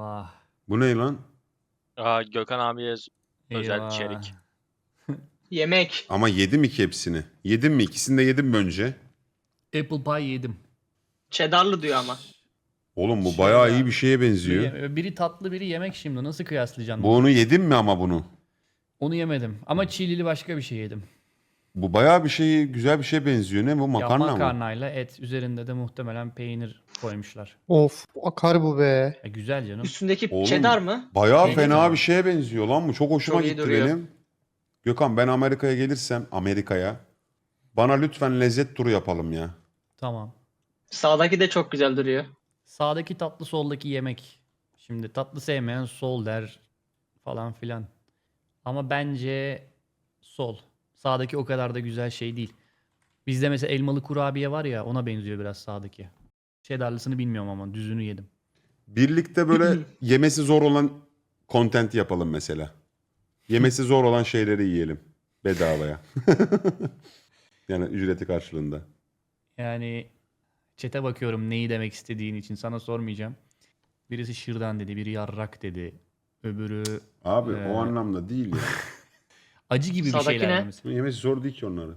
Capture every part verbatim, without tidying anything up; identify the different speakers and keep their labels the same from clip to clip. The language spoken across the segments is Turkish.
Speaker 1: Eyvah.
Speaker 2: Bu ne lan?
Speaker 3: Aa, Gökhan abiye özel
Speaker 1: Eyvah.
Speaker 3: içerik.
Speaker 4: Yemek.
Speaker 2: Ama yedim iki hepsini. Yedim mi? İkisini de yedim mi önce?
Speaker 1: Apple pie yedim.
Speaker 4: Cheddarlı diyor ama.
Speaker 2: Oğlum bu
Speaker 1: Şey
Speaker 2: bayağı
Speaker 1: ya,
Speaker 2: iyi bir şeye benziyor.
Speaker 1: Biri, biri tatlı biri yemek şimdi. Nasıl kıyaslayacaksın
Speaker 2: Bu
Speaker 1: bunu?
Speaker 2: onu yedim mi ama bunu?
Speaker 1: Onu yemedim. Ama çilili başka bir şey yedim.
Speaker 2: Bu bayağı bir şey, güzel bir şeye benziyor. Ne bu? Makarna
Speaker 1: ya
Speaker 2: mı?
Speaker 1: makarnayla et. Üzerinde de muhtemelen peynir koymuşlar.
Speaker 5: Of akar bu be.
Speaker 1: E, güzel canım.
Speaker 4: Üstündeki
Speaker 2: Oğlum,
Speaker 4: cheddar mı?
Speaker 2: Bayağı
Speaker 1: Peynir
Speaker 2: fena
Speaker 1: mi?
Speaker 2: bir şeye benziyor lan bu. Çok hoşuma
Speaker 4: Çok iyi
Speaker 2: gitti
Speaker 4: duruyor.
Speaker 2: benim. Gökhan ben Amerika'ya gelirsem, Amerika'ya bana lütfen lezzet turu yapalım ya.
Speaker 1: Tamam.
Speaker 4: Sağdaki de çok güzel duruyor.
Speaker 1: Sağdaki tatlı soldaki yemek. Şimdi tatlı sevmeyen sol der falan filan. Ama bence sol. Sağdaki o kadar da güzel şey değil. Bizde mesela elmalı kurabiye var ya, ona benziyor biraz sağdaki. Cheddarlısını bilmiyorum ama düzünü yedim.
Speaker 2: Birlikte böyle yemesi zor olan content yapalım mesela. Yemesi zor olan şeyleri yiyelim. Bedavaya. Yani ücreti karşılığında.
Speaker 1: Yani çete bakıyorum neyi demek istediğin için, sana sormayacağım. Birisi şırdan dedi, biri yarrak dedi. Öbürü
Speaker 2: Abi
Speaker 1: Ee,
Speaker 2: o anlamda değil ya.
Speaker 1: acı gibi bir
Speaker 4: Sağdaki
Speaker 1: şeyler
Speaker 4: ne?
Speaker 1: mesela.
Speaker 2: Yemesi zor değil ki onların.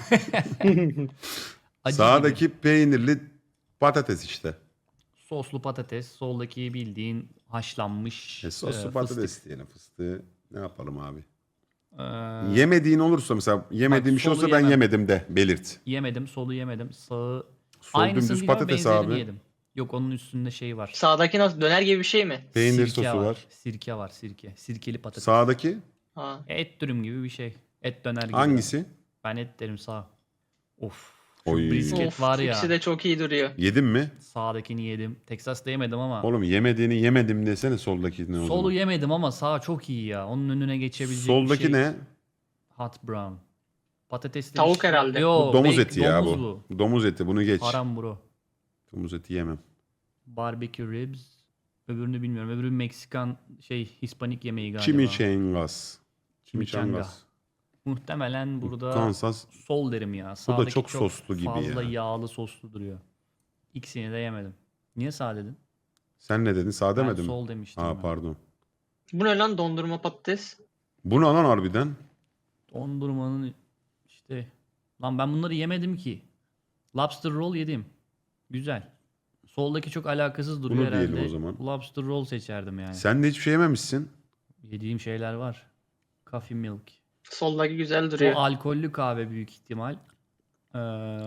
Speaker 1: Acı
Speaker 2: Sağdaki
Speaker 1: gibi.
Speaker 2: peynirli patates işte.
Speaker 1: Soslu patates, soldaki bildiğin haşlanmış
Speaker 2: E, soslu
Speaker 1: e,
Speaker 2: patates
Speaker 1: fıstık.
Speaker 2: diyelim fıstığı. Ne yapalım abi?
Speaker 1: Ee,
Speaker 2: Yemediğin olursa mesela yemediğim bir şey
Speaker 1: solu
Speaker 2: olsa ben
Speaker 1: yemem.
Speaker 2: yemedim de belirt.
Speaker 1: Yemedim, solu yemedim. Sağı
Speaker 2: Sol
Speaker 1: aynısını
Speaker 2: dümdüz
Speaker 1: değil ama
Speaker 2: patates
Speaker 1: benzerini
Speaker 2: abi.
Speaker 1: yedim. Yok, onun üstünde şey var.
Speaker 4: Sağdaki nasıl? Döner gibi bir şey mi?
Speaker 2: Peynir
Speaker 1: Sirke
Speaker 2: sosu var.
Speaker 1: Sirke var, sirke. Sirkeli patates.
Speaker 2: Sağdaki
Speaker 4: Ha.
Speaker 1: Et dürüm gibi bir şey. Et döner gibi.
Speaker 2: hangisi?
Speaker 1: Ben et derim sağ. Of. Şu
Speaker 2: Oy.
Speaker 1: brisket
Speaker 4: Of,
Speaker 1: var ya.
Speaker 4: ikisi de çok iyi duruyor.
Speaker 2: Yedin mi?
Speaker 1: Sağdakini yedim. Texas'ta yemedim ama.
Speaker 2: Oğlum yemediğini yemedim desene soldaki ne o
Speaker 1: Solu
Speaker 2: zaman?
Speaker 1: yemedim ama sağ çok iyi ya. Onun önüne geçebilecek
Speaker 2: Soldaki
Speaker 1: bir şey.
Speaker 2: ne?
Speaker 1: Hot brown. Patatesli bir
Speaker 4: Tavuk
Speaker 1: şey.
Speaker 4: herhalde.
Speaker 1: Yo,
Speaker 2: Bu domuz
Speaker 1: bek-
Speaker 2: eti ya
Speaker 1: domuz
Speaker 2: bu. Domuz eti bunu geç.
Speaker 1: Haram bro.
Speaker 2: Domuz eti yemem.
Speaker 1: Barbecue ribs. Öbürünü bilmiyorum. Öbürü Meksikan şey Hispanik yemeği galiba.
Speaker 2: Chimichangas.
Speaker 1: Chimichanga.
Speaker 2: Chimichangas.
Speaker 1: Muhtemelen burada
Speaker 2: Kansas.
Speaker 1: sol derim ya.
Speaker 2: Bu da
Speaker 1: Sağdaki
Speaker 2: çok soslu gibi
Speaker 1: fazla
Speaker 2: ya.
Speaker 1: yağlı soslu duruyor. İkisini de yemedim. Niye sağ dedin?
Speaker 2: Sen ne dedin? Sağ
Speaker 1: Ben
Speaker 2: demedin mi?
Speaker 1: sol demiştim.
Speaker 2: Aa
Speaker 1: ben.
Speaker 2: pardon.
Speaker 4: Bu ne lan, dondurma patates?
Speaker 2: Bu ne lan harbiden?
Speaker 1: Dondurmanın işte... Lan ben bunları yemedim ki. Lobster roll yedim. Güzel. Soldaki çok alakasız duruyor
Speaker 2: Bunu
Speaker 1: herhalde.
Speaker 2: diyelim o zaman.
Speaker 1: Lobster roll seçerdim yani.
Speaker 2: Sen de hiçbir şey yememişsin.
Speaker 1: Yediğim şeyler var. Coffee milk.
Speaker 4: Soldaki güzel
Speaker 1: O
Speaker 4: duruyor.
Speaker 1: alkollü kahve büyük ihtimal. Ee,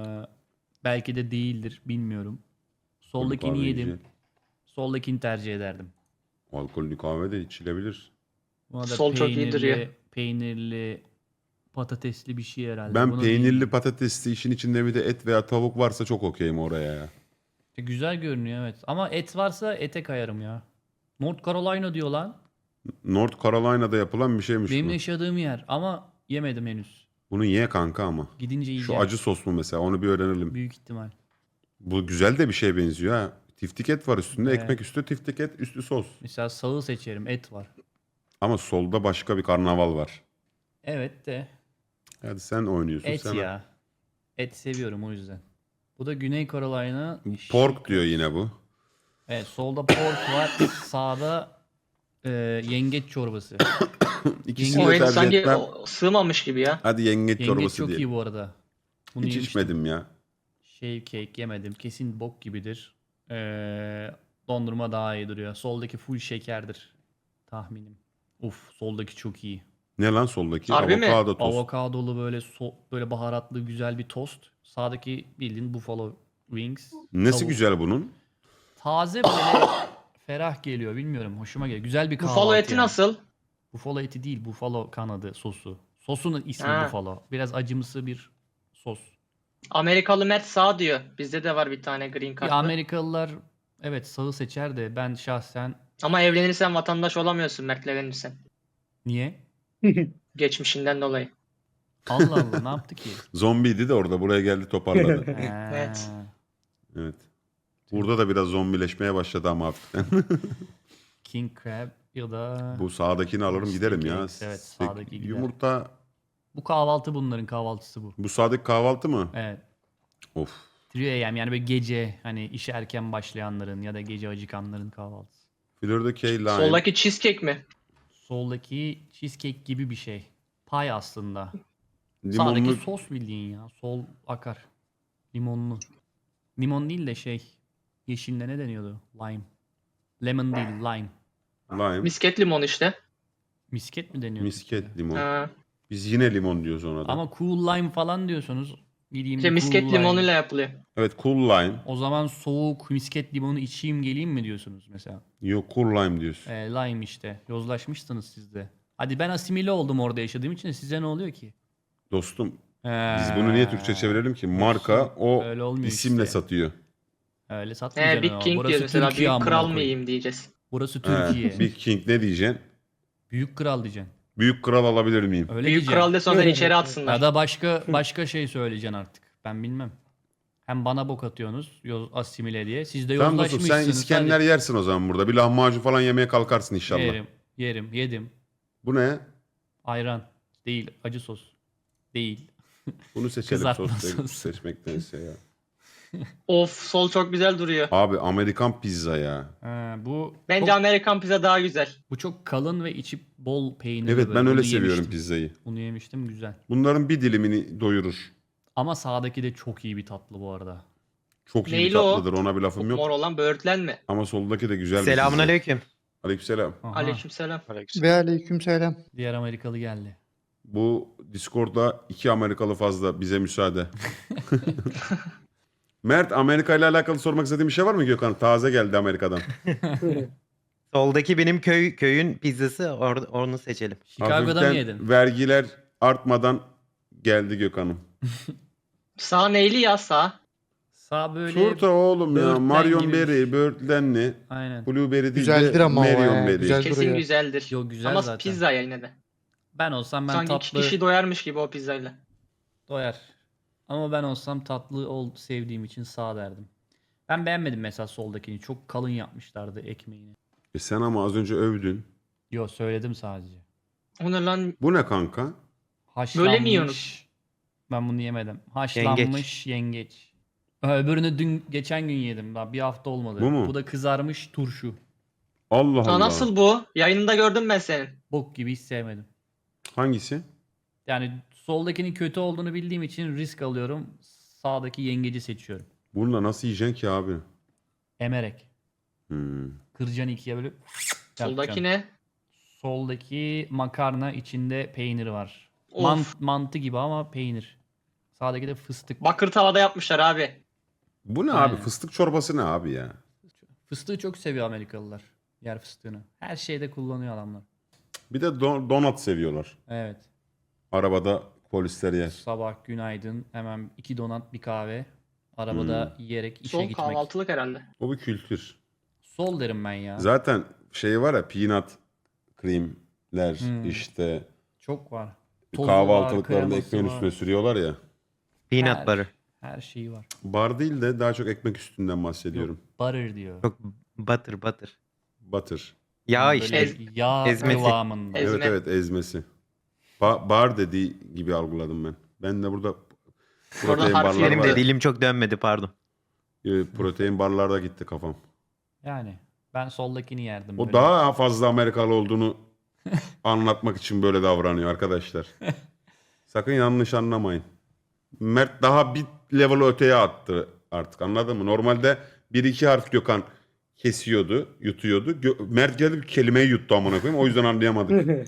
Speaker 1: belki de değildir. Bilmiyorum. Soldakini
Speaker 2: kahve
Speaker 1: yedim.
Speaker 2: güzel.
Speaker 1: Soldakini tercih ederdim.
Speaker 2: Alkollü kahve de içilebilir.
Speaker 1: Buna da
Speaker 4: Sol çok iyi
Speaker 1: peynirli,
Speaker 4: duruyor.
Speaker 1: peynirli, patatesli bir şey herhalde.
Speaker 2: Ben
Speaker 1: Bunu
Speaker 2: peynirli
Speaker 1: bilmiyorum.
Speaker 2: patatesli işin içinde bir de et veya tavuk varsa çok okeyim oraya ya.
Speaker 1: E, Güzel görünüyor evet. Ama et varsa ete kayarım ya. North Carolina diyor lan.
Speaker 2: North Carolina'da yapılan bir şeymiş
Speaker 1: Benim
Speaker 2: bu.
Speaker 1: yaşadığım yer. Ama yemedim henüz.
Speaker 2: Bunu ye kanka ama.
Speaker 1: Gidince
Speaker 2: Şu
Speaker 1: yiyeceğim.
Speaker 2: acı sos mu mesela onu bir öğrenelim.
Speaker 1: Büyük ihtimal.
Speaker 2: Bu güzel de bir şeye benziyor ha. Tiftik et var üstünde.
Speaker 1: Evet.
Speaker 2: Ekmek üstü tiftik et üstü sos.
Speaker 1: Mesela sağı seçerim. Et var.
Speaker 2: Ama solda başka bir karnaval var.
Speaker 1: Evet de
Speaker 2: Hadi sen oynuyorsun.
Speaker 1: et
Speaker 2: sen
Speaker 1: ya. Et seviyorum o yüzden. Bu da Güney Carolina.
Speaker 2: Pork diyor yine bu.
Speaker 1: Evet, solda pork var. Sağda e, yengeç çorbası.
Speaker 2: İkisini
Speaker 4: O
Speaker 2: de
Speaker 4: et
Speaker 2: tercih
Speaker 4: sanki
Speaker 2: etmem.
Speaker 4: o- sığmamış gibi ya.
Speaker 2: Hadi yengeç,
Speaker 1: Yengeç
Speaker 2: çorbası
Speaker 1: çok
Speaker 2: diye.
Speaker 1: iyi bu arada. Bunu
Speaker 2: Hiç
Speaker 1: yemiştim.
Speaker 2: içmedim ya.
Speaker 1: Shave cake yemedim. Kesin bok gibidir. Ee, dondurma daha iyi duruyor. Soldaki full şekerdir. Tahminim. Uf, soldaki çok iyi.
Speaker 2: Ne lan soldaki?
Speaker 4: Harbi mi?
Speaker 2: Avokado tost.
Speaker 1: Avokadolu böyle so- böyle baharatlı güzel bir tost. Sağdaki bildiğin buffalo wings.
Speaker 2: Nesi
Speaker 1: Tavuk.
Speaker 2: güzel bunun?
Speaker 1: Taze böyle ferah geliyor. Bilmiyorum. Hoşuma geliyor. Güzel bir kahvaltı.
Speaker 4: Buffalo eti
Speaker 1: yani.
Speaker 4: nasıl?
Speaker 1: Buffalo eti değil. Buffalo kanadı sosu. Sosunun ismi
Speaker 4: Ha.
Speaker 1: buffalo. Biraz acımsı bir sos.
Speaker 4: Amerikalı Mert sağ diyor. Bizde de var bir tane green
Speaker 1: Bir
Speaker 4: card'lı.
Speaker 1: Amerikalılar evet sağı seçer de ben şahsen
Speaker 4: Ama evlenirsen vatandaş olamıyorsun Mert'le evlenirsen.
Speaker 1: niye?
Speaker 4: Geçmişinden dolayı.
Speaker 1: Allah Allah ne yaptı ki?
Speaker 2: Zombiydi de orada buraya geldi toparladı.
Speaker 4: Evet.
Speaker 1: Ha.
Speaker 2: Evet. Burada da biraz zombileşmeye başladı ama hafiften.
Speaker 1: King Crab ya da bu,
Speaker 2: Bu sağdakini alırım giderim ya.
Speaker 1: Steak, evet,
Speaker 2: Steak,
Speaker 1: sağdaki gider.
Speaker 2: Yumurta.
Speaker 1: kahvaltı bunların kahvaltısı bu.
Speaker 2: Bu sağdaki kahvaltı mı?
Speaker 1: Evet.
Speaker 2: Of.
Speaker 1: üç A M yani böyle gece hani işe erken başlayanların ya da gece acıkanların kahvaltısı.
Speaker 2: Florida K Lime.
Speaker 4: Soldaki cheesecake mi?
Speaker 1: Soldaki cheesecake gibi bir şey. Pay aslında.
Speaker 2: Limonlu.
Speaker 1: Sağdaki sos bildiğin ya. Sol akar. Limonlu. Limon değil de şey. Yeşilde ne deniyordu? Lime. Lemon değil, lime.
Speaker 2: Lime.
Speaker 4: Misket limon işte.
Speaker 1: Misket mi deniyor?
Speaker 2: Misket limon.
Speaker 4: Ha.
Speaker 2: Biz yine limon diyoruz ona da.
Speaker 1: Ama cool lime falan diyorsunuz. Gideyim
Speaker 4: İşte
Speaker 1: bir
Speaker 4: misket
Speaker 1: cool lime.
Speaker 4: limonuyla yapılıyor.
Speaker 2: Evet, cool lime.
Speaker 1: O zaman soğuk misket limonu içeyim geleyim mi diyorsunuz mesela?
Speaker 2: Yok, cool lime diyorsun.
Speaker 1: Ee, lime işte. Yozlaşmışsınız siz de. Hadi ben asimile oldum orada yaşadığım için, size ne oluyor ki?
Speaker 2: Dostum,
Speaker 1: Ee,
Speaker 2: biz bunu niye Türkçe çevirelim ki? Marka o
Speaker 1: Öyle olmuyor
Speaker 2: isimle
Speaker 1: işte.
Speaker 2: satıyor.
Speaker 1: Öyle satmayacaksın
Speaker 4: He, Big
Speaker 1: ama.
Speaker 4: King
Speaker 1: Burası
Speaker 4: diyor mesela.
Speaker 1: Türkiye
Speaker 4: Büyük
Speaker 1: amına
Speaker 4: kral
Speaker 1: koyayım.
Speaker 4: mıyım diyeceğiz.
Speaker 1: Burası
Speaker 2: He,
Speaker 1: Türkiye.
Speaker 2: Big King ne diyeceksin?
Speaker 1: Büyük kral diyeceksin.
Speaker 2: Büyük kral alabilir miyim?
Speaker 1: Öyle
Speaker 4: Büyük
Speaker 1: diyeceksin.
Speaker 4: kral de sonra içeri atsınlar.
Speaker 1: Ya da başka başka şey söyleyeceksin artık. Ben bilmem. Hem bana bok atıyorsunuz yoz, asimile diye. Siz de
Speaker 2: Tamam dostum,
Speaker 1: yozlaşmışsınız.
Speaker 2: sen İskender
Speaker 1: Hadi.
Speaker 2: yersin o zaman burada. Bir lahmacun falan yemeye kalkarsın inşallah.
Speaker 1: Yerim. Yerim. Yedim.
Speaker 2: Bu ne?
Speaker 1: Ayran. Değil. Acı sos. Değil.
Speaker 2: Bunu seçelim
Speaker 1: Kızartma
Speaker 2: sos
Speaker 1: sos.
Speaker 2: seçmektense ya.
Speaker 4: Of, sol çok güzel duruyor.
Speaker 2: Abi Amerikan pizza ya.
Speaker 1: Ha, bu
Speaker 4: Bence
Speaker 1: çok,
Speaker 4: Amerikan pizza daha güzel.
Speaker 1: bu çok kalın ve içi bol peynirli.
Speaker 2: Evet,
Speaker 1: böyle.
Speaker 2: ben öyle
Speaker 1: Bunu
Speaker 2: seviyorum
Speaker 1: yemiştim.
Speaker 2: pizzayı.
Speaker 1: Bunu yemiştim, güzel.
Speaker 2: Bunların bir dilimini doyurur.
Speaker 1: Ama sağdaki de çok iyi bir tatlı bu arada.
Speaker 2: Çok iyi bir
Speaker 4: Neyli o?
Speaker 2: tatlıdır, ona bir lafım
Speaker 4: Çok
Speaker 2: yok.
Speaker 4: mor olan böğürtlen mi?
Speaker 2: Ama soldaki de güzel bir
Speaker 6: Selamun
Speaker 2: pizza.
Speaker 6: aleyküm.
Speaker 2: Aleykümselam.
Speaker 1: Aha,
Speaker 4: Aleykümselam.
Speaker 5: Ve aleykümselam.
Speaker 1: diğer Amerikalı geldi.
Speaker 2: Bu Discord'da iki Amerikalı fazla, bize müsaade. Mert, Amerika ile alakalı sormak istediğin bir şey var mı Gökhan? Taze geldi Amerika'dan.
Speaker 6: Soldaki benim köy köyün pizzası, or- onu seçelim.
Speaker 1: Chicago'da mı
Speaker 2: Hafiften
Speaker 1: yedin?
Speaker 2: vergiler artmadan geldi Gökhan'ım.
Speaker 4: Sağ neyli ya sağ?
Speaker 1: Sağ böyle.
Speaker 2: Turta oğlum ya.
Speaker 1: böğürtlen
Speaker 2: Marion
Speaker 1: gibi bir
Speaker 2: Berry,
Speaker 1: şey.
Speaker 2: böğürtlenli.
Speaker 1: Aynen.
Speaker 2: Blueberry değil
Speaker 5: Güzeldir
Speaker 2: de
Speaker 5: ama o
Speaker 2: Marion
Speaker 5: ya,
Speaker 2: Berry.
Speaker 5: güzel.
Speaker 4: Kesin
Speaker 5: duruyor.
Speaker 4: güzeldir.
Speaker 1: Yo, güzel
Speaker 4: Ama
Speaker 1: zaten.
Speaker 4: pizza ya yine de.
Speaker 1: Ben olsam ben
Speaker 4: Sanki iki
Speaker 1: tatlı
Speaker 4: kişi doyarmış gibi o pizzayla.
Speaker 1: doyar. Ama ben olsam tatlı ol sevdiğim için sağ derdim. Ben beğenmedim mesela soldakini. Çok kalın yapmışlardı ekmeğini.
Speaker 2: E sen ama az önce övdün.
Speaker 1: Yo, söyledim sadece.
Speaker 4: O ne lan?
Speaker 2: Bu ne kanka?
Speaker 1: Haşlanmış.
Speaker 4: Böyle mi yiyorsunuz?
Speaker 1: Ben bunu yemedim. Haşlanmış yengeç. Öbürünü dün geçen gün yedim. Daha bir hafta olmadı.
Speaker 2: Bu mu?
Speaker 1: Bu da kızarmış turşu.
Speaker 2: Allah
Speaker 4: Aa,
Speaker 2: Allah.
Speaker 4: nasıl bu? Yayınında gördüm ben senin.
Speaker 1: Bok gibi, hiç sevmedim.
Speaker 2: Hangisi?
Speaker 1: Yani soldakinin kötü olduğunu bildiğim için risk alıyorum. Sağdaki yengeci seçiyorum.
Speaker 2: Bununla nasıl yiyeceksin ki abi?
Speaker 1: Emerek.
Speaker 2: Hmm.
Speaker 1: Kıracaksın ikiye böyle.
Speaker 4: Soldaki
Speaker 1: yapacaksın.
Speaker 4: ne?
Speaker 1: Soldaki makarna, içinde peynir var.
Speaker 4: Of.
Speaker 1: Mant, mantı gibi ama peynir. Sağdaki de fıstık.
Speaker 4: Bakır tavada yapmışlar abi.
Speaker 2: Bu ne
Speaker 1: Aynen.
Speaker 2: abi? Fıstık çorbası ne abi ya?
Speaker 1: Fıstığı çok seviyor Amerikalılar. Yer fıstığını. Her şeyde kullanıyor adamlar.
Speaker 2: Bir de don- donat seviyorlar.
Speaker 1: Evet.
Speaker 2: Arabada polisler yer.
Speaker 1: Sabah günaydın. Hemen iki donat, bir kahve. Arabada yiyerek işe
Speaker 4: Sol
Speaker 1: gitmek.
Speaker 4: kahvaltılık herhalde.
Speaker 2: O bir kültür.
Speaker 1: Sol derim ben ya.
Speaker 2: Zaten şey var ya, peanut creamler
Speaker 1: Hmm.
Speaker 2: işte
Speaker 1: Çok var. Tozu
Speaker 2: kahvaltılıklarında
Speaker 1: var,
Speaker 2: ekmeğin
Speaker 1: kreması
Speaker 2: üstüne sürüyorlar ya.
Speaker 6: Peanut
Speaker 1: Her-
Speaker 6: butter.
Speaker 1: Her şeyi var.
Speaker 2: Bar değil de daha çok ekmek üstünden bahsediyorum.
Speaker 1: Yok, butter diyor.
Speaker 6: Çok butter butter.
Speaker 2: Butter.
Speaker 6: Ya
Speaker 1: Böyle
Speaker 6: işte.
Speaker 4: Ez-
Speaker 1: yağ
Speaker 6: ezmesi.
Speaker 1: kıvamında.
Speaker 4: Ez- Ezme.
Speaker 2: Evet evet, ezmesi. Ba- bar dediği gibi algıladım ben. Ben de burada protein
Speaker 4: harf
Speaker 2: barlar
Speaker 6: Benim
Speaker 2: var
Speaker 6: de
Speaker 2: ya.
Speaker 6: dilim çok dönmedi, pardon.
Speaker 2: Ee, Protein barlarda gitti kafam.
Speaker 1: Yani ben soldakini yerdim.
Speaker 2: O
Speaker 1: böyle.
Speaker 2: daha fazla Amerikalı olduğunu anlatmak için böyle davranıyor arkadaşlar. Sakın yanlış anlamayın. Mert daha bir level öteye attı artık, anladın mı? Normalde bir iki harf Gökhan kesiyordu, yutuyordu. Gö- Mert geldi bir kelimeyi yuttu amına koyayım. O yüzden anlayamadık.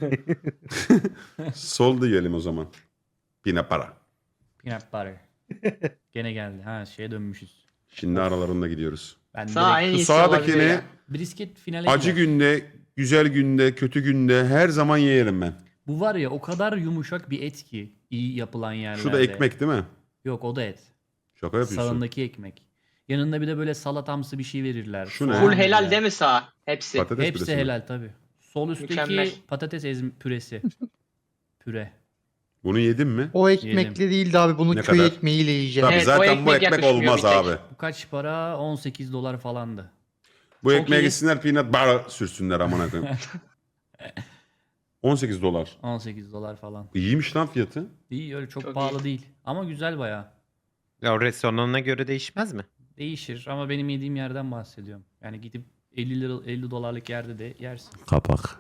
Speaker 2: Sol diyelim o zaman. Yine para.
Speaker 1: Peanut butter. Gene geldi. Ha, şeye dönmüşüz.
Speaker 2: Şimdi aralarında gidiyoruz.
Speaker 1: Ben
Speaker 4: Sağ en
Speaker 1: direkt
Speaker 4: iyisi
Speaker 2: Sağdakini
Speaker 4: olabilir ya.
Speaker 1: brisket finale
Speaker 2: acı
Speaker 1: gider.
Speaker 2: günde, güzel günde, kötü günde her zaman yerim ben.
Speaker 1: Bu var ya, o kadar yumuşak bir et ki iyi yapılan yerlerde.
Speaker 2: Şu da ekmek değil mi?
Speaker 1: Yok, o da et.
Speaker 2: Şaka yapıyorsun.
Speaker 1: Sağındaki ekmek. Yanında bir de böyle salatamsı bir şey verirler.
Speaker 2: Şu ne?
Speaker 1: Soğan
Speaker 4: Full helal
Speaker 1: verirler.
Speaker 4: değil mi sağ? Hepsi.
Speaker 2: Patates
Speaker 1: Hepsi
Speaker 2: püresi mi?
Speaker 1: helal tabi. Sol üstteki
Speaker 4: Mükemmel.
Speaker 1: patates ezm püresi. Püre.
Speaker 2: Bunu yedin mi?
Speaker 5: O ekmekle değildi abi. Bunu
Speaker 2: Ne
Speaker 5: köy
Speaker 2: kadar?
Speaker 5: ekmeğiyle yiyeceğim.
Speaker 2: Tabii
Speaker 4: Evet, o
Speaker 2: zaten bu
Speaker 4: ekmek
Speaker 2: ekmek
Speaker 4: yakışmıyor
Speaker 2: olmaz
Speaker 4: bir tek.
Speaker 2: abi.
Speaker 1: Bu kaç para? on sekiz dolar falandı.
Speaker 2: Bu
Speaker 1: Çok
Speaker 2: ekmeğe
Speaker 1: iyi.
Speaker 2: gitsinler peanut bar sürsünler amına koyayım. on sekiz dolar.
Speaker 1: on sekiz dolar falan.
Speaker 2: İyiymiş lan fiyatı.
Speaker 1: İyi, öyle çok,
Speaker 4: Çok
Speaker 1: pahalı
Speaker 4: iyi.
Speaker 1: değil. Ama güzel bayağı.
Speaker 6: Ya o restoranına göre değişmez mi?
Speaker 1: Değişir ama benim yediğim yerden bahsediyorum. Yani gidip elli lira elli dolarlık yerde de yersin.
Speaker 2: Kapak.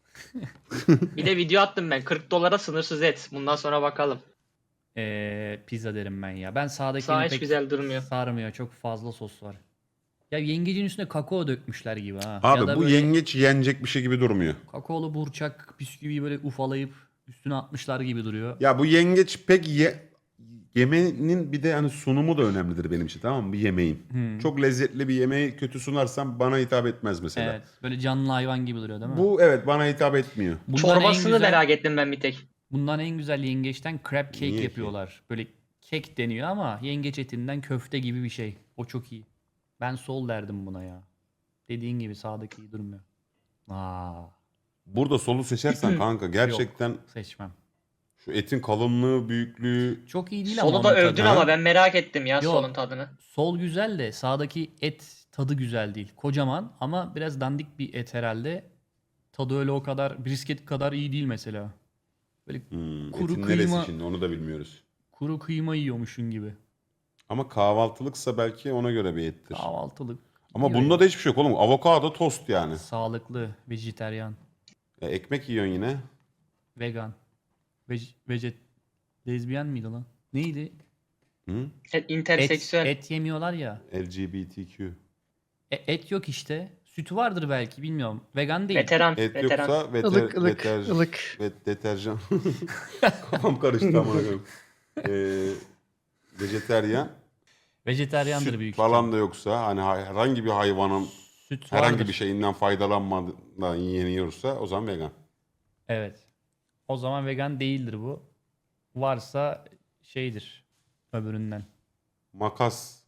Speaker 4: Bir de video attım ben. kırk dolara sınırsız et. Bundan sonra bakalım.
Speaker 1: Ee, pizza derim ben ya. Ben sağdakini
Speaker 4: Sağ hiç
Speaker 1: pek
Speaker 4: güzel durmuyor.
Speaker 1: sarmıyor. Çok fazla sos var. Ya yengecin üstüne kakao dökmüş gibi ha.
Speaker 2: Abi
Speaker 1: ya da
Speaker 2: bu
Speaker 1: böyle
Speaker 2: yengeç yenecek bir şey gibi durmuyor.
Speaker 1: kakaolu burçak bisküviyi böyle ufalayıp üstüne atmışlar gibi duruyor.
Speaker 2: Ya bu yengeç pek ye... yemeğinin bir de hani sunumu da önemlidir benim için, tamam mı? Bir yemeğin.
Speaker 1: Hmm.
Speaker 2: Çok lezzetli bir yemeği kötü sunarsam bana hitap etmez mesela.
Speaker 1: Evet. Böyle canlı hayvan gibi duruyor değil mi?
Speaker 2: Bu evet bana hitap etmiyor.
Speaker 1: Bundan en
Speaker 4: Çorbasını
Speaker 1: güzel-
Speaker 4: merak ettim ben bir tek.
Speaker 1: Bundan en güzel yengeçten crab cake
Speaker 2: Niye ki?
Speaker 1: yapıyorlar. Böyle kek deniyor ama yengeç etinden köfte gibi bir şey. O çok iyi. Ben sol derdim buna ya. Dediğin gibi sağdaki iyi durmuyor. Aa,
Speaker 2: Burada solu seçersen kanka gerçekten
Speaker 1: seçmem.
Speaker 2: şu etin kalınlığı, büyüklüğü
Speaker 1: Çok iyi değil ama
Speaker 4: Solu da
Speaker 1: onun
Speaker 4: övdün
Speaker 1: tadı.
Speaker 4: ama ben merak ettim ya
Speaker 1: Yok.
Speaker 4: solun tadını.
Speaker 1: Sol güzel de sağdaki et tadı güzel değil. Kocaman ama biraz dandik bir et herhalde. Tadı öyle o kadar brisket kadar iyi değil mesela. Böyle
Speaker 2: Hmm,
Speaker 1: Kuru
Speaker 2: etin neresi
Speaker 1: kıyma-
Speaker 2: şimdi onu da bilmiyoruz.
Speaker 1: kuru kıyma yiyormuşun gibi.
Speaker 2: Ama kahvaltılıksa belki ona göre bir ettir.
Speaker 1: Kahvaltılık.
Speaker 2: Ama
Speaker 1: iyi
Speaker 2: bunda
Speaker 1: böyle.
Speaker 2: da hiçbir şey yok oğlum. Avokado tost yani.
Speaker 1: Sağlıklı, vejeteryan,
Speaker 2: Ya ekmek yiyorsun yine.
Speaker 1: vegan. Vej, vejet lezbiyen miydi lan? Neydi?
Speaker 2: Hı?
Speaker 4: Et,
Speaker 1: Et,
Speaker 4: interseksüel.
Speaker 1: et yemiyorlar ya.
Speaker 2: L G B T Q.
Speaker 1: E, et yok işte. Sütü vardır belki bilmiyorum. Vegan değil.
Speaker 4: Veteran.
Speaker 2: Et
Speaker 4: veteran.
Speaker 2: yoksa veter,
Speaker 5: Ilık ılık
Speaker 2: veter-
Speaker 5: ılık.
Speaker 2: ve deterjan. Kafam karıştı amına koyayım. Ee, vejeteryan.
Speaker 1: Vejeteryandır
Speaker 2: Süt
Speaker 1: büyük
Speaker 2: falan
Speaker 1: ihtimal.
Speaker 2: da yoksa hani hay- herhangi bir hayvanın
Speaker 1: Süt
Speaker 2: herhangi
Speaker 1: vardır.
Speaker 2: bir şeyinden faydalanmadan yeniyorsa o zaman vegan.
Speaker 1: Evet. O zaman vegan değildir bu. Varsa şeydir. Öbüründen.
Speaker 2: Makas.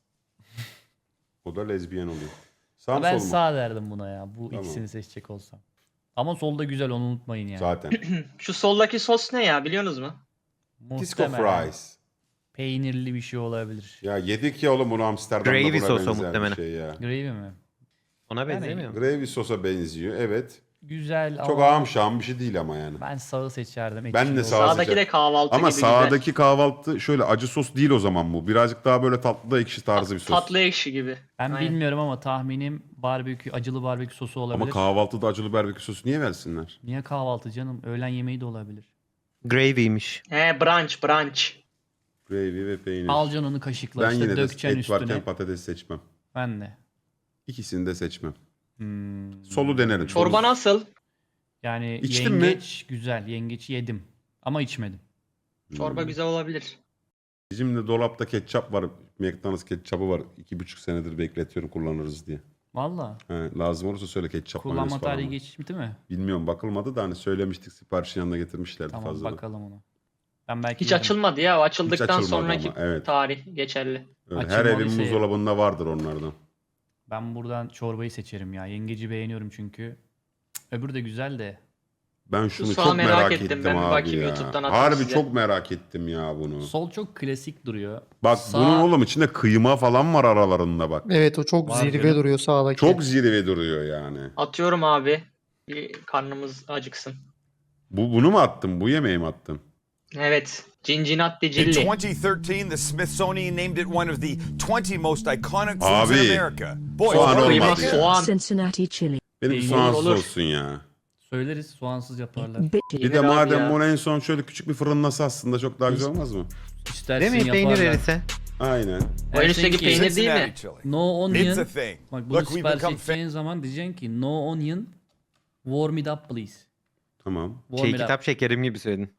Speaker 2: O da lezbiyen oluyor. Sağ mı
Speaker 1: Ben
Speaker 2: sol mu?
Speaker 1: sağ derdim buna ya. Bu
Speaker 2: Tamam.
Speaker 1: ikisini seçecek olsam. Ama solda güzel onu unutmayın yani.
Speaker 2: Zaten.
Speaker 4: Şu soldaki sos ne ya biliyorsunuz mu?
Speaker 2: Disco
Speaker 1: Muhtemelen
Speaker 2: fries.
Speaker 1: peynirli bir şey olabilir.
Speaker 2: Ya yedik ya oğlum bunu Amsterdam'da,
Speaker 6: Gravy
Speaker 2: buna
Speaker 6: sosu
Speaker 2: benzer bir
Speaker 6: muhtemelen.
Speaker 2: şey ya.
Speaker 1: Gravy mi?
Speaker 6: Ona
Speaker 1: Yani-
Speaker 6: benzemiyor mu?
Speaker 2: Gravy sosa benziyor evet.
Speaker 1: Güzel
Speaker 2: Çok
Speaker 1: ama
Speaker 2: ağam şahım bir şey değil ama yani.
Speaker 1: ben sağı seçerdim.
Speaker 2: Ben
Speaker 1: ekşi
Speaker 2: de
Speaker 1: olsun.
Speaker 2: sağ
Speaker 4: Sağdaki
Speaker 2: seçerim.
Speaker 4: de kahvaltı
Speaker 2: Ama
Speaker 4: gibi güzel.
Speaker 2: sağdaki kahvaltı şöyle acı sos değil o zaman bu. Birazcık daha böyle tatlı da ekşi tarzı bir sos.
Speaker 4: Tatlı ekşi gibi.
Speaker 1: Ben
Speaker 4: Aynen.
Speaker 1: bilmiyorum ama tahminim barbekü, acılı barbekü sosu olabilir.
Speaker 2: Ama kahvaltıda acılı barbekü sosu niye versinler?
Speaker 1: Niye kahvaltı canım? Öğlen yemeği de olabilir.
Speaker 6: Gravy'miş.
Speaker 4: He brunch brunch.
Speaker 2: Gravy ve peynir.
Speaker 1: Alacaksın onu kaşıkla
Speaker 2: ben
Speaker 1: işte
Speaker 2: yine de
Speaker 1: dökeceksin
Speaker 2: et varken
Speaker 1: üstüne.
Speaker 2: patates seçmem.
Speaker 1: Ben de.
Speaker 2: İkisini de seçmem.
Speaker 1: Hmm.
Speaker 2: Solu denerim.
Speaker 4: Çorba nasıl?
Speaker 1: Yani
Speaker 2: İçtin mi?
Speaker 1: yengeç güzel. Yengeç yedim. Ama içmedim.
Speaker 4: Çorba
Speaker 2: Hmm.
Speaker 4: güzel olabilir.
Speaker 2: Bizim de dolapta ketçap var. McDonald's ketçapı var. İki buçuk senedir bekletiyorum kullanırız diye.
Speaker 1: Valla.
Speaker 2: He, lazım olursa söyle ketçap
Speaker 1: Kullanma
Speaker 2: mayonez falan
Speaker 1: tarihi
Speaker 2: var.
Speaker 1: geçmiş değil mi?
Speaker 2: Bilmiyorum bakılmadı da hani söylemiştik siparişin yanına getirmişlerdi
Speaker 1: Tamam
Speaker 2: fazla.
Speaker 1: bakalım ona. Ben belki
Speaker 4: Hiç
Speaker 1: yerim.
Speaker 4: açılmadı ya. O açıldıktan
Speaker 2: açılmadı
Speaker 4: sonraki
Speaker 2: ama, evet.
Speaker 4: tarih geçerli.
Speaker 2: Öyle. Her
Speaker 1: Açılmalıysa
Speaker 2: evin
Speaker 1: yerim.
Speaker 2: buzdolabında vardır onlardan.
Speaker 1: Ben buradan çorbayı seçerim ya. Yengeci beğeniyorum çünkü. Cık, öbürü de güzel de.
Speaker 2: Ben şunu
Speaker 4: soğan
Speaker 2: çok merak,
Speaker 4: merak
Speaker 2: ettim,
Speaker 4: ettim. Ben bir
Speaker 2: abi
Speaker 4: bakayım,
Speaker 2: ya.
Speaker 4: YouTube'dan atarım
Speaker 2: Harbi
Speaker 4: size.
Speaker 2: çok merak ettim ya bunu.
Speaker 1: Sol çok klasik duruyor.
Speaker 2: Bak
Speaker 1: Sağ-
Speaker 2: bunun oğlum içinde kıyma falan var aralarında bak.
Speaker 5: Evet o çok
Speaker 1: Var
Speaker 5: zirve
Speaker 1: canım.
Speaker 5: duruyor sağdaki.
Speaker 2: Çok zirve duruyor yani.
Speaker 4: Atıyorum abi. Bir karnımız acıksın.
Speaker 2: Bu bunu mu attın? Bu yemeği mi attın?
Speaker 4: Evet. Cincinnati
Speaker 7: In
Speaker 4: Cilli.
Speaker 7: twenty thirteen, the Smithsonian named it one of the twenty most iconic foods
Speaker 2: Abi,
Speaker 7: in America. Boy,
Speaker 2: soğan
Speaker 7: it's
Speaker 4: Kıyma,
Speaker 2: olmadı ya.
Speaker 4: soğan.
Speaker 8: Cincinnati chili.
Speaker 2: Benim
Speaker 1: Peynir
Speaker 2: soğansız
Speaker 4: olur.
Speaker 2: olsun ya.
Speaker 1: Söyleriz soğansız yaparlar.
Speaker 8: Bitchy.
Speaker 2: Bir
Speaker 4: Yenir
Speaker 2: de
Speaker 4: abi
Speaker 2: madem
Speaker 4: ya.
Speaker 2: bunu en son şöyle küçük bir fırınlasa aslında çok daha güzel olmaz mı?
Speaker 1: İstersin
Speaker 6: Değil mi? Peynir
Speaker 1: yaparlar.
Speaker 6: erirse.
Speaker 2: Aynen.
Speaker 4: O en üstteki
Speaker 1: Dersin ki,
Speaker 4: peynir değil
Speaker 7: Cincinnati
Speaker 4: mi?
Speaker 7: chili.
Speaker 1: No
Speaker 7: It's
Speaker 1: onion.
Speaker 7: a thing.
Speaker 1: Bak bunu
Speaker 7: Look, we've
Speaker 1: sipariş
Speaker 7: become
Speaker 1: edeceğin zaman diyeceksin ki no onion, warm it up please.
Speaker 2: Tamam.
Speaker 1: Warm
Speaker 6: Şey
Speaker 1: it up.
Speaker 6: kitap şekerim gibi söyledin.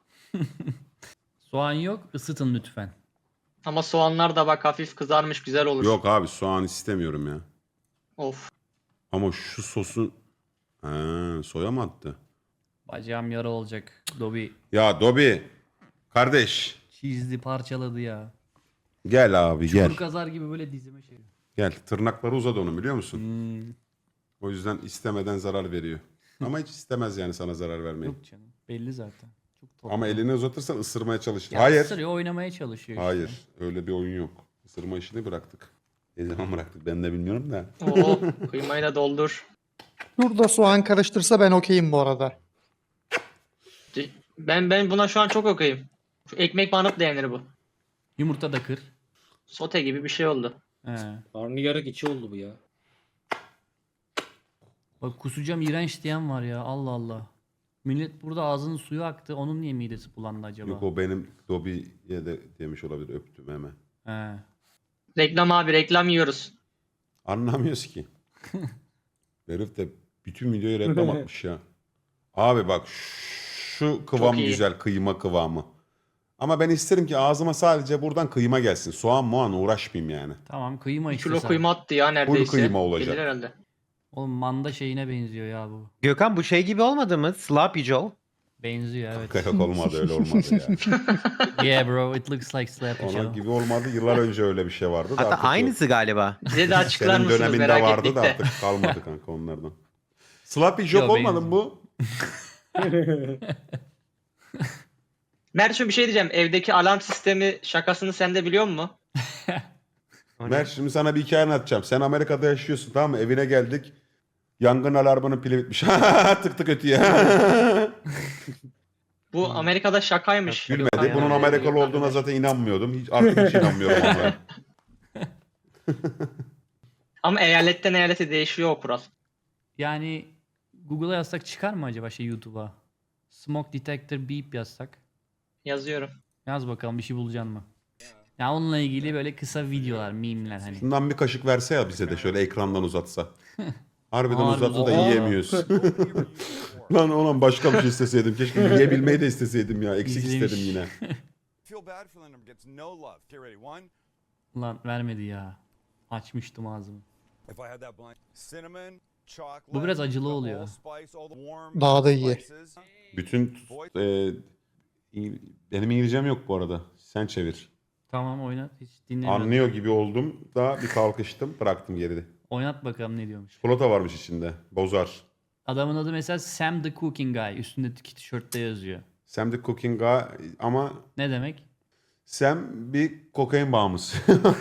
Speaker 1: Soğan yok, ısıtın lütfen.
Speaker 4: Ama soğanlar da bak hafif kızarmış güzel olur.
Speaker 2: Yok abi soğan istemiyorum ya.
Speaker 4: Of.
Speaker 2: Ama şu sosu... Ha, soya mı attı?
Speaker 1: Bacağım yara olacak. Dobby
Speaker 2: Ya Dobi. Kardeş.
Speaker 1: çizdi parçaladı ya.
Speaker 2: Gel abi gel.
Speaker 1: Çukur kazar gibi böyle dizime şey.
Speaker 2: Gel. Tırnakları uzadı onun biliyor musun?
Speaker 1: Hmm,
Speaker 2: O yüzden istemeden zarar veriyor. Ama hiç istemez yani sana zarar vermeyi.
Speaker 1: yok canım. Belli zaten. Çok tatlı.
Speaker 2: Ama elini uzatırsan ısırmaya çalışır.
Speaker 1: Ya
Speaker 2: Hayır.
Speaker 1: ısırıyor, oynamaya çalışıyor işte.
Speaker 2: Hayır. Öyle bir oyun yok. Isırma işini bıraktık. Ne zaman bıraktık ben de bilmiyorum da.
Speaker 4: Oo, kıymayı da doldur.
Speaker 5: Şurada soğan karıştırsa ben okeyim bu arada.
Speaker 4: Ben ben buna şu an çok okuyayım. Şu ekmek banıp da yenir bu.
Speaker 1: Yumurta da kır.
Speaker 4: Sote gibi bir şey oldu.
Speaker 1: He.
Speaker 9: Karnıyarık içi oldu bu ya.
Speaker 1: Bak kusacağım iğrenç diyen var ya. Allah Allah. Millet burada ağzının suyu aktı. Onun niye midesi bulandı acaba?
Speaker 2: Yok o benim Dobby'ye de demiş olabilir. Öptüm hemen.
Speaker 1: He.
Speaker 4: Reklam abi reklam yiyoruz.
Speaker 2: Anlamıyoruz ki. Herif de bütün videoyu reklam atmış ya. Abi bak şu kıvam
Speaker 4: iyi.
Speaker 2: güzel. Kıyma kıvamı. Ama ben isterim ki ağzıma sadece buradan kıyma gelsin. Soğan muan uğraşmayayım yani.
Speaker 1: Tamam kıyma
Speaker 4: Bir
Speaker 1: işte
Speaker 4: kilo
Speaker 1: sen.
Speaker 4: kıyma attı ya neredeyse.
Speaker 2: kıyma olacak.
Speaker 4: Gelir herhalde.
Speaker 1: Oğlum manda şeyine benziyor ya bu.
Speaker 6: Gökhan bu şey gibi olmadı mı? Sloppy Joe.
Speaker 1: Benziyor evet.
Speaker 2: Yok olmadı öyle olmadı ya.
Speaker 1: Yeah bro it looks like Slappy
Speaker 2: Ona
Speaker 1: Joe.
Speaker 2: gibi olmadı. Yıllar önce öyle bir şey vardı da
Speaker 6: Hatta
Speaker 2: artık yok.
Speaker 6: aynısı galiba.
Speaker 4: Bize de açıklar
Speaker 2: Senin
Speaker 4: mısınız
Speaker 2: döneminde
Speaker 4: merak
Speaker 2: vardı
Speaker 4: ettik
Speaker 2: da
Speaker 4: de.
Speaker 2: artık kalmadı kanka onlardan. Sloppy Joe
Speaker 1: Yo,
Speaker 2: olmadı mı
Speaker 1: benziyor.
Speaker 2: bu?
Speaker 4: Mert'cim bir şey diyeceğim. Evdeki alarm sistemi şakasını sen de biliyor musun?
Speaker 2: Mert şimdi sana bir hikaye anlatacağım. Sen Amerika'da yaşıyorsun tamam mı? Evine geldik. Yangın alarmının pili bitmiş. tık tık ötüyor.
Speaker 4: Bu Amerika'da şakaymış.
Speaker 2: Gülmedi.
Speaker 4: Gökhan
Speaker 2: Bunun
Speaker 4: yani.
Speaker 2: Amerikalı olduğuna zaten inanmıyordum. Hiç, artık hiç inanmıyorum onlara.
Speaker 4: Ama eyaletten eyalete değişiyor o kural.
Speaker 1: Yani Google'a yazsak çıkar mı acaba şey YouTube'a? Smoke detector beep yazsak.
Speaker 4: Yazıyorum.
Speaker 1: Yaz bakalım bir şey bulacaksın mı? Ya onunla ilgili böyle kısa videolar, meme'ler hani.
Speaker 2: Şundan bir kaşık verse ya bize de şöyle ekrandan uzatsa. Harbiden
Speaker 1: Harbi
Speaker 2: uzattı da
Speaker 1: uzatıyor.
Speaker 2: yiyemiyoruz. Lan ulan başka bir şey isteseydim. Keşke yiyebilmeyi de isteseydim ya. Eksik
Speaker 1: İzlemiş.
Speaker 2: istedim yine.
Speaker 7: Feel bad for them gets no love. Get ready. One.
Speaker 1: Ulan vermedi ya. Açmıştım ağzımı.
Speaker 7: If I had that blind cinnamon, chocolate.
Speaker 1: Bu biraz acılı
Speaker 7: the
Speaker 1: oluyor.
Speaker 7: allspice, all the warm
Speaker 5: Daha da iyi.
Speaker 7: spices.
Speaker 2: Bütün e, İng- benim İngilizcem yok bu arada. Sen çevir.
Speaker 1: Tamam oynat hiç dinlemiyorum.
Speaker 2: Anlıyor gibi oldum da bir kalkıştım. Bıraktım geride.
Speaker 1: Oynat bakalım ne diyormuş.
Speaker 2: Çikolata varmış içinde. Bozar.
Speaker 1: Adamın adı mesela Sam the Cooking Guy. Üstündeki tişörtte yazıyor.
Speaker 2: Sam the Cooking Guy ama
Speaker 1: Ne demek?
Speaker 2: Sam bir kokain bağımlısı.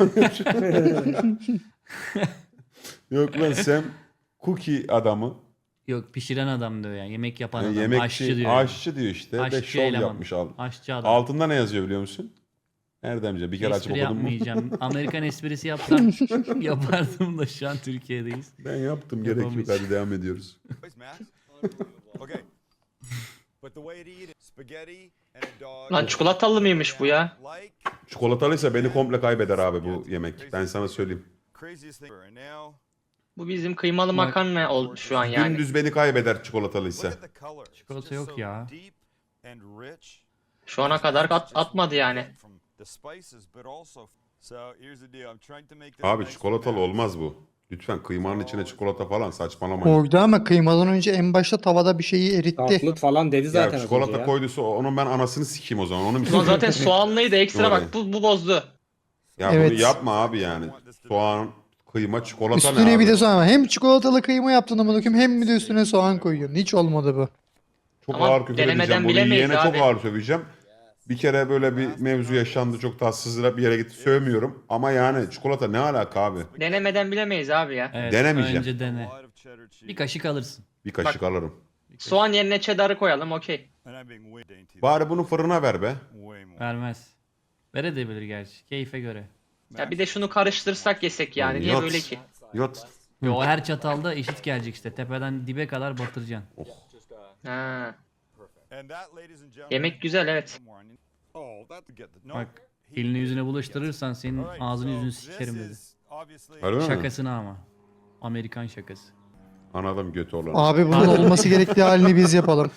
Speaker 2: Yok lan Sam cookie adamı.
Speaker 1: Yok pişiren adam diyor yani. Yemek yapan
Speaker 2: Yani
Speaker 1: adam.
Speaker 2: yemekçi,
Speaker 1: aşçı diyor.
Speaker 2: aşçı diyor işte.
Speaker 1: Aşçı
Speaker 2: Ve şov
Speaker 1: eleman.
Speaker 2: yapmış. Al.
Speaker 1: Aşçı adam.
Speaker 2: Altında ne yazıyor biliyor musun? Nereden bileceğim? Bir kere açıp
Speaker 1: Espri
Speaker 2: okudum mu?
Speaker 1: yapmayacağım. Amerikan esprisi yapsam yapardım da şu an Türkiye'deyiz.
Speaker 2: Ben yaptım. Gerek yok.
Speaker 1: Yapamayız.
Speaker 2: Hadi devam ediyoruz.
Speaker 7: Boys, Matt. Okay. But the way to eat it, spaghetti and a dog.
Speaker 4: Lan çikolatalı mıymış bu ya?
Speaker 7: Like
Speaker 2: Çikolatalıysa beni komple kaybeder abi bu yemek. Ben sana söyleyeyim.
Speaker 7: craziest thing. And now,
Speaker 4: Bu bizim kıymalı
Speaker 1: Bak.
Speaker 4: makarna oldu şu an yani.
Speaker 2: Dümdüz beni kaybeder
Speaker 7: look
Speaker 2: çikolatalıysa.
Speaker 7: at the color. It's
Speaker 1: Çikolata
Speaker 7: just
Speaker 1: yok
Speaker 7: so
Speaker 1: ya.
Speaker 7: deep and rich.
Speaker 4: Şu ana kadar at, atmadı yani.
Speaker 7: From the spices, but also. So here's the deal. I'm trying to make this
Speaker 2: Abi
Speaker 7: nice
Speaker 2: çikolatalı
Speaker 7: balance.
Speaker 2: olmaz bu. Lütfen kıymanın içine çikolata falan saçmalamayın.
Speaker 5: Koydu ama kıymadan önce en başta tavada bir şeyi eritti.
Speaker 8: Tatlı falan dedi zaten
Speaker 2: Ya
Speaker 8: az
Speaker 2: çikolata
Speaker 8: önce ya.
Speaker 2: koyduysa onun ben anasını sikeyim o zaman. Onu mu
Speaker 4: Ulan
Speaker 2: istiyorsun?
Speaker 4: zaten soğanlıydı ekstra bak bu, bu bozdu.
Speaker 2: Ya
Speaker 5: Evet.
Speaker 2: bunu yapma abi yani. Soğan, kıyma, çikolata ne
Speaker 5: Üstüne
Speaker 2: abi?
Speaker 5: bir de soğan. Hem çikolatalı kıyma yaptın ama bakayım hem bir de üstüne soğan koyuyorsun. Hiç olmadı bu.
Speaker 2: Çok
Speaker 4: Ama
Speaker 2: ağır küfür
Speaker 4: denemeden
Speaker 2: edeceğim. Bunu
Speaker 4: bilemeyiz
Speaker 2: yiyene çok
Speaker 4: abi.
Speaker 2: ağır söveceğim. Bir kere böyle bir mevzu yaşandı. Çok tatsızlığa bir yere gitti. Sövmüyorum. Ama yani çikolata ne alaka abi?
Speaker 4: Denemeden bilemeyiz abi ya.
Speaker 1: Evet,
Speaker 2: Denemeyeceğim.
Speaker 1: önce dene.
Speaker 7: A lot of cheddar cheese.
Speaker 1: Bir kaşık alırsın.
Speaker 2: Bir kaşık alırım.
Speaker 4: Soğan yerine cheddar'ı koyalım okey.
Speaker 7: And I'm being way dainty.
Speaker 2: Bari bunu fırına ver be.
Speaker 7: Way more.
Speaker 1: Vermez. Verebilir gerçi. Keyfe göre.
Speaker 4: Ya bir de şunu karıştırsak yesek yani. Niye
Speaker 2: Yok.
Speaker 4: böyle ki?
Speaker 2: Yot.
Speaker 1: Yo, o her çatalda eşit gelecek işte. Tepeden dibe kadar batıracaksın.
Speaker 4: Ha.
Speaker 7: And that, ladies and gentlemen,
Speaker 4: Yemek güzel evet.
Speaker 7: Oh, that's get the no.
Speaker 1: Bak elini yüzüne bulaştırırsan senin
Speaker 7: Alright,
Speaker 1: ağzını
Speaker 7: so
Speaker 1: yüzünü
Speaker 7: this
Speaker 1: sikerim dedi.
Speaker 7: is obviously
Speaker 2: Öyle mi?
Speaker 1: Şakasına ama. Amerikan şakası.
Speaker 2: Anladım götü olan.
Speaker 5: Abi bunun olması gerektiği halini biz yapalım.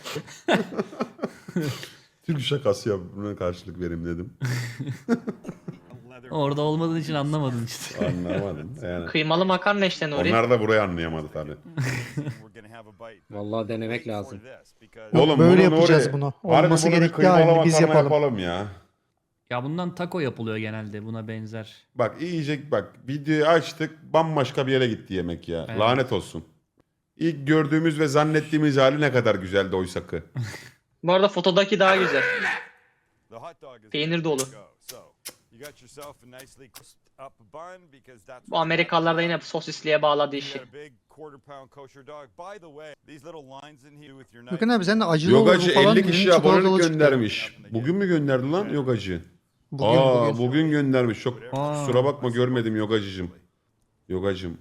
Speaker 2: Türk şakası yap. Buna karşılık vereyim dedim.
Speaker 1: Orada olmadığın için anlamadın işte.
Speaker 2: Anlamadım. Yani.
Speaker 4: Kıymalı makarna işte Nuri.
Speaker 2: Onlar da burayı anlayamadı tabii.
Speaker 7: we're gonna have a bite.
Speaker 8: Vallahi denemek lazım.
Speaker 7: For this, because
Speaker 2: Oğlum
Speaker 5: böyle
Speaker 2: bunu
Speaker 5: yapacağız
Speaker 2: Nuri,
Speaker 5: bunu.
Speaker 2: harbi
Speaker 5: Olması
Speaker 2: bunu bir
Speaker 5: gerektiği
Speaker 2: kıymalı
Speaker 5: halini biz
Speaker 2: makarna
Speaker 5: yapalım.
Speaker 2: yapalım ya.
Speaker 1: Ya bundan taco yapılıyor genelde buna benzer.
Speaker 2: Bak iyice bak videoyu açtık bambaşka bir yere gitti yemek ya.
Speaker 1: Evet.
Speaker 2: Lanet olsun. İlk gördüğümüz ve zannettiğimiz hali ne kadar güzeldi oysakı.
Speaker 4: Bu arada fotodaki daha güzel.
Speaker 7: the hot dog is
Speaker 4: Peynir dolu.
Speaker 7: go. So, you got yourself a nicely crisped up bun because that's
Speaker 4: Bu Amerikalılar da yine sosisliğe bağladı
Speaker 7: you
Speaker 4: işi.
Speaker 7: got a big quarter pound kosher dog. By the way, these little lines in here with your knife.
Speaker 5: Bakın abi sen de acılı olur
Speaker 2: Yogacı
Speaker 5: falan
Speaker 2: elli
Speaker 5: dedin,
Speaker 2: kişi
Speaker 5: çikolatalı
Speaker 2: abonelik
Speaker 5: çıktı.
Speaker 2: göndermiş. Bugün mü gönderdi lan yogacı?
Speaker 5: Bugün,
Speaker 2: Aa
Speaker 5: bugün.
Speaker 2: bugün göndermiş. Çok
Speaker 1: Aa.
Speaker 2: kusura bakma görmedim yogacıcım. Yogacım.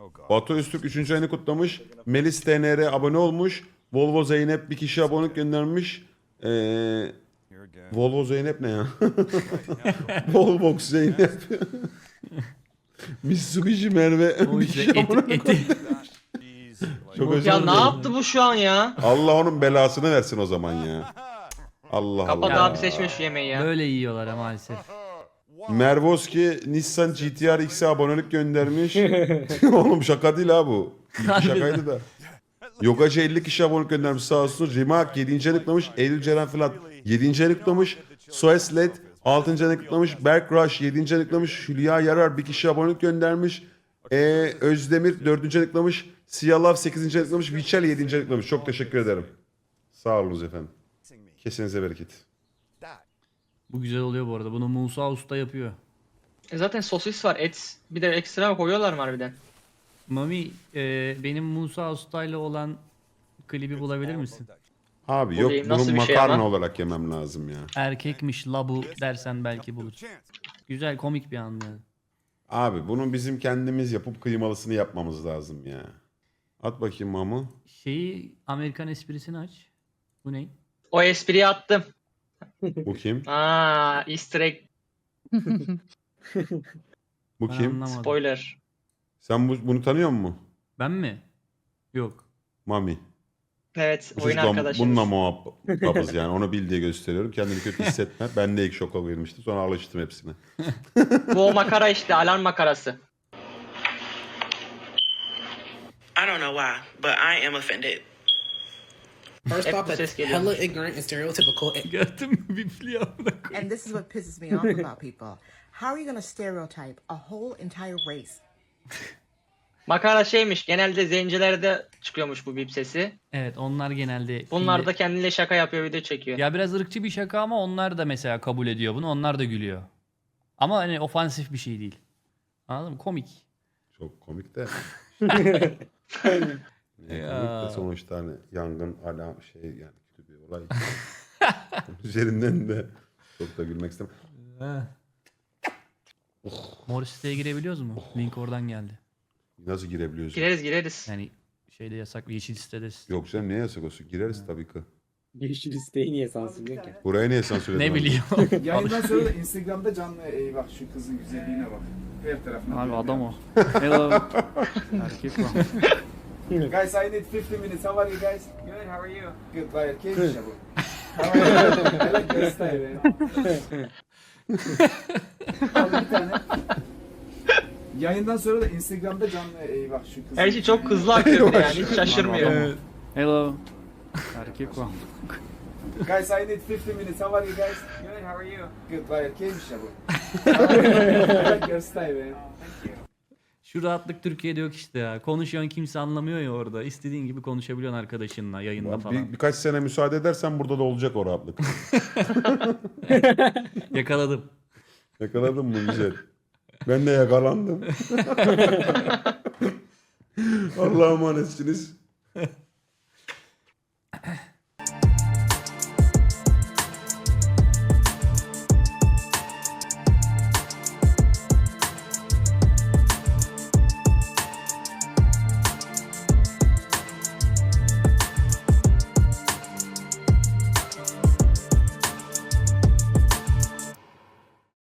Speaker 7: Oh God.
Speaker 2: Batu Öztürk üçüncü ayını kutlamış. Melis T N R abone olmuş. Volvo Zeynep bir kişi abonelik göndermiş. Ee,
Speaker 7: Here again.
Speaker 2: Volvo Zeynep ne ya?
Speaker 7: Right, yeah, go.
Speaker 2: Volvox Zeynep. Mitsubishi Merve
Speaker 1: O
Speaker 2: bir
Speaker 1: işte
Speaker 2: kişi
Speaker 1: eti,
Speaker 2: abonelik.
Speaker 1: eti.
Speaker 7: Jeez, like-
Speaker 2: Çok özür
Speaker 4: Ya ne
Speaker 2: dilerim.
Speaker 4: yaptı bu şu an ya?
Speaker 2: Allah onun belasını versin o zaman ya. Allah
Speaker 4: Kapat
Speaker 2: Allah.
Speaker 4: abi seçme şu yemeği ya.
Speaker 1: Böyle yiyorlar ha maalesef.
Speaker 2: Mervoski Nissan G T R X'e abonelik göndermiş. Oğlum şaka değil ha bu. Şakaydı da. Yogacı elli kişi abonelik göndermiş sağ olsun. Rimak yedinci ayını kutlamış. Eylül Ceren Filat yedinci ayını kutlamış. Soeslet altıncı ayını kutlamış. Berk Rush yedinci ayını kutlamış. Hülya Yarar bir kişi abonelik göndermiş. Ee, Özdemir dördüncü ayını kutlamış. Siyalav sekizinci ayını kutlamış. Vichel yedinci ayını kutlamış. Çok teşekkür ederim. Sağ olunuz efendim. Kesinize bereket.
Speaker 1: Bu güzel oluyor bu arada. Bunu Musa Usta yapıyor.
Speaker 4: E zaten sosis var, et. Bir de ekstra koyuyorlar mı harbiden?
Speaker 1: Mami e, benim Musa Usta ile olan klibi bulabilir misin?
Speaker 2: Abi
Speaker 4: Bu
Speaker 2: yok
Speaker 4: değil,
Speaker 2: bunu
Speaker 4: nasıl bir şey
Speaker 2: makarna
Speaker 4: ama?
Speaker 2: olarak yemem lazım ya.
Speaker 1: Erkekmiş la bu dersen belki bulur.
Speaker 7: Chance.
Speaker 1: Güzel komik bir an yani.
Speaker 2: Abi bunu bizim kendimiz yapıp kıymalısını yapmamız lazım ya. At bakayım Mamu.
Speaker 1: Şeyi Amerikan esprisini aç. Bu ne?
Speaker 4: O espriyi attım.
Speaker 2: Bu kim?
Speaker 4: Aa, easter egg
Speaker 2: Bu
Speaker 1: Ben
Speaker 2: kim?
Speaker 1: anlamadım.
Speaker 4: spoiler.
Speaker 2: Sen bu, bunu tanıyor musun?
Speaker 1: Ben mi? Yok.
Speaker 2: Mami.
Speaker 4: Evet,
Speaker 2: Bu
Speaker 4: oyun
Speaker 2: çocukla-
Speaker 4: arkadaşımız.
Speaker 2: Bununla muhabbetiz yani. Onu bil diye gösteriyorum. Kendini kötü hissetme. Ben de ilk şoka girmiştim. Sonra alıştım hepsine.
Speaker 4: Bu o makara işte, alarm makarası.
Speaker 9: I don't know why, but I am offended.
Speaker 8: First
Speaker 4: Hep
Speaker 8: off,
Speaker 4: bu ses
Speaker 8: that's
Speaker 4: geliyor.
Speaker 8: hella ignorant and stereotypical.
Speaker 1: Gördün mü bifli amına koyayım.
Speaker 10: And this is what pisses me off about people. How are you going to stereotype a whole entire race?
Speaker 4: Makara şeymiş, genelde zencilerde çıkıyormuş bu bip sesi.
Speaker 1: Evet onlar genelde...
Speaker 4: Bunlar
Speaker 1: filmde-
Speaker 4: da kendiyle şaka yapıyor, video çekiyor.
Speaker 1: Ya biraz ırkçı bir şaka ama onlar da mesela kabul ediyor bunu. Onlar da gülüyor. Ama hani ofansif bir şey değil. Anladın mı? Komik.
Speaker 2: Çok komik de. Ne, komik
Speaker 1: Ya.
Speaker 2: de sonuçta hani yangın alarm şey yani kötü bir olay. Üzerinden de çok da gülmek istemem.
Speaker 1: Mor siteye girebiliyoruz mu? Link oradan geldi.
Speaker 2: Nasıl girebiliyoruz?
Speaker 4: Gireriz gireriz.
Speaker 1: Yani şeyde yasak, yeşil sitede.
Speaker 2: Yok canım niye yasak olsun? Gireriz tabii ki.
Speaker 8: Yeşil listeyi niye sansürlüyor ki?
Speaker 2: Buraya niye sansürledin?
Speaker 1: Ne
Speaker 2: abi?
Speaker 1: bileyim.
Speaker 11: Yayından sonra da Instagram'da canlı ey bak şu kızın güzelliğine bak. Her tarafına.
Speaker 1: Abi
Speaker 11: böyle
Speaker 1: adam
Speaker 11: ya.
Speaker 1: o. Hello. Erkek o.
Speaker 11: Guys, I need fifty minutes. How are you guys? Good, how are you? Good, vay erkek işe bu. How are you? I like your style. Al bir tane. Yayından sonra da Instagram'da canlı ey bak şu kızın.
Speaker 4: Her şey çok hızlı akıyor bir de yani, hiç şaşırmıyor.
Speaker 1: Hello. Erkek o.
Speaker 11: Guys, I need fifty minutes. How are you guys? Good, how are you? Good, vay erkek işe bu. I like your style.
Speaker 1: Şu rahatlık Türkiye'de yok işte ya. Konuşuyorsun kimse anlamıyor ya orada. İstediğin gibi konuşabiliyorsun arkadaşınla yayında falan.
Speaker 2: Bir, birkaç sene müsaade edersen burada da olacak o rahatlık.
Speaker 1: Yakaladım.
Speaker 2: Yakaladın mı güzel? Ben de yakalandım. Allah'a emanetsiniz.